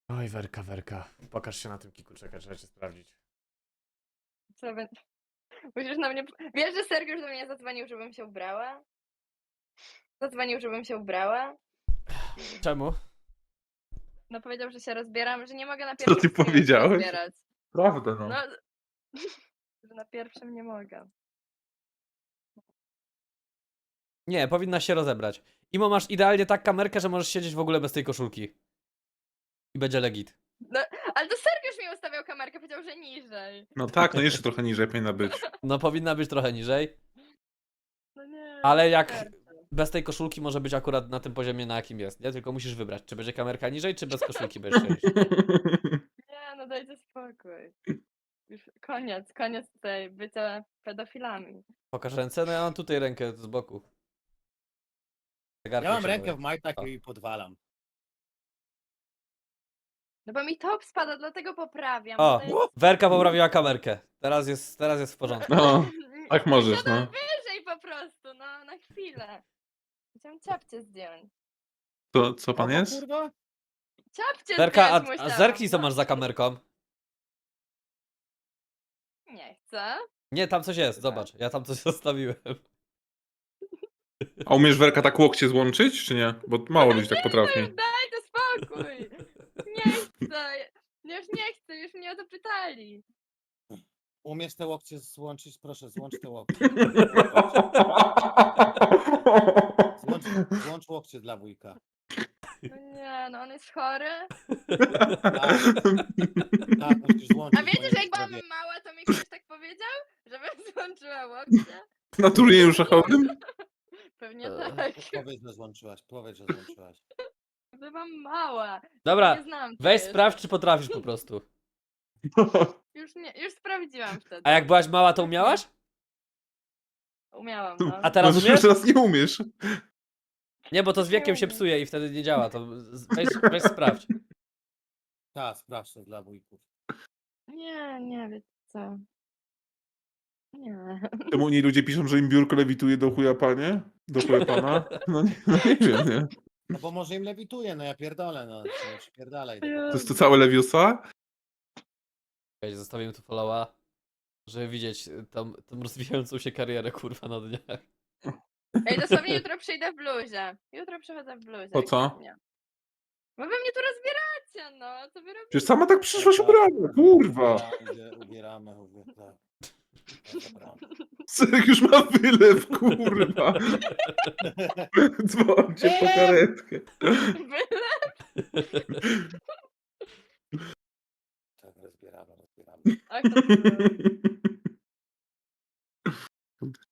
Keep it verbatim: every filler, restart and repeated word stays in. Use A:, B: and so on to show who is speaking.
A: Oj, Werka, Werka. Pokaż się na tym kiku, czekaj, trzeba cię sprawdzić.
B: Co by... Musisz na mnie... Wiesz, że Sergiusz do mnie zadzwonił, żebym się ubrała? Zadzwonił, żebym się ubrała?
A: Czemu?
B: No powiedział, że się rozbieram, że nie mogę na
C: Co
B: pierwszym
C: ty
B: streamie się
C: powiedziałeś?
B: rozbierać.
C: Prawda, no.
B: No, że na pierwszym nie mogę.
A: Nie, powinna się rozebrać. Imo, masz idealnie tak kamerkę, że możesz siedzieć w ogóle bez tej koszulki. I będzie legit.
B: No, ale to Sergiusz mi ustawiał kamerkę, powiedział, że niżej.
C: No tak, no jeszcze trochę niżej powinna być.
A: No powinna być trochę niżej.
B: No nie.
A: Ale jak
B: Sergiusz.
A: bez tej koszulki może być akurat na tym poziomie, na jakim jest, nie? Tylko musisz wybrać, czy będzie kamerka niżej, czy bez koszulki będziesz siedzieć.
B: Nie, no dajcie spokój. Już koniec, koniec tutaj bycia pedofilami.
A: Pokaż ręce? No ja mam tutaj rękę z boku. Zegarkiem
D: Ja mam
A: się
D: rękę
A: boję.
D: w majtach
A: O.
D: i podwalam.
B: No bo mi top spada, dlatego poprawiam.
A: O,
B: bo to jest...
A: Werka poprawiła kamerkę. Teraz jest, teraz jest w porządku.
C: No, tak możesz,
B: Siadam
C: no.
B: wyżej po prostu, no, na chwilę. Chciałam ciapcie zdjąć.
C: To co pan
D: O,
C: jest?
D: kurwa?
B: Ciapcie
A: Werka,
B: zdjąć
A: a, a
B: musiałam.
A: zerknij co
B: no.
A: masz za kamerką.
B: Nie chcę.
A: Nie, tam coś jest, zobacz. Ja tam coś zostawiłem.
C: A umiesz Werka tak łokcie złączyć, czy nie? Bo mało ludzi tak potrafi.
B: Już daj to spokój. Nie chcę. Już nie chcę, już mnie o to pytali.
D: Umiesz te łokcie złączyć? Proszę, złącz te łokcie. Złącz, złącz łokcie dla wujka.
B: No nie, no on jest chory.
D: Tak, tak, musisz złączyć.
B: A
D: bo
B: wiecie,
D: nie
B: że jak byłam
D: zrobię.
B: mała, to mi ktoś tak powiedział? Żebym złączyła łokcie?
C: Na turnieju szachowym?
B: Pewnie
A: Eee.
B: tak.
D: Powiedz, że złączyłaś, powiedz, że złączyłaś.
B: Byłam mała.
A: Dobra,
B: Nie znam
A: weź
B: ciebie
A: sprawdź,
B: jeszcze.
A: czy potrafisz po prostu.
B: Już, nie, już sprawdziłam wtedy.
A: A jak byłaś mała, to
B: Tak nie.
A: umiałaś?
B: Umiałam, no.
A: A teraz
C: No, że
A: umiesz?
C: teraz nie umiesz.
A: Nie, bo to z wiekiem się
B: umiem.
A: psuje i wtedy nie działa. To z- weź, weź sprawdź.
D: Tak, sprawdź to dla wujków.
B: Nie, nie, wiecie co. Nie.
C: Czemu oni ludzie piszą, że im biurko lewituje do chuja panie? Do chuja pana? No nie, no nie wiem, nie.
D: No bo może im lewituje, no ja pierdolę, no. Nie przypierdalaj.
C: To
D: tego.
C: jest to całe Leviosa?
A: Czekaj, zostawiłem tu followa, żeby widzieć tą, tą rozwijającą się karierę, kurwa, na dniach.
B: Ej, dosłownie jutro przyjdę w bluzie. Jutro przychodzę w bluzie.
C: Po co?
B: ewidentnie. Bo wy mnie tu rozbieracie, no. Co wy robicie?
C: Przecież sama tak przyszłaś
D: Tak,
C: ubrana, kurwa.
D: Ubieramy, ubieramy, ubieramy. Tak. Tak, dobra.
C: Serek już ma wylew, kurwa. Dzwońcie po karetkę.
B: Byle?
D: Tak, rozbieramy, rozbieramy.
B: Ach, to było.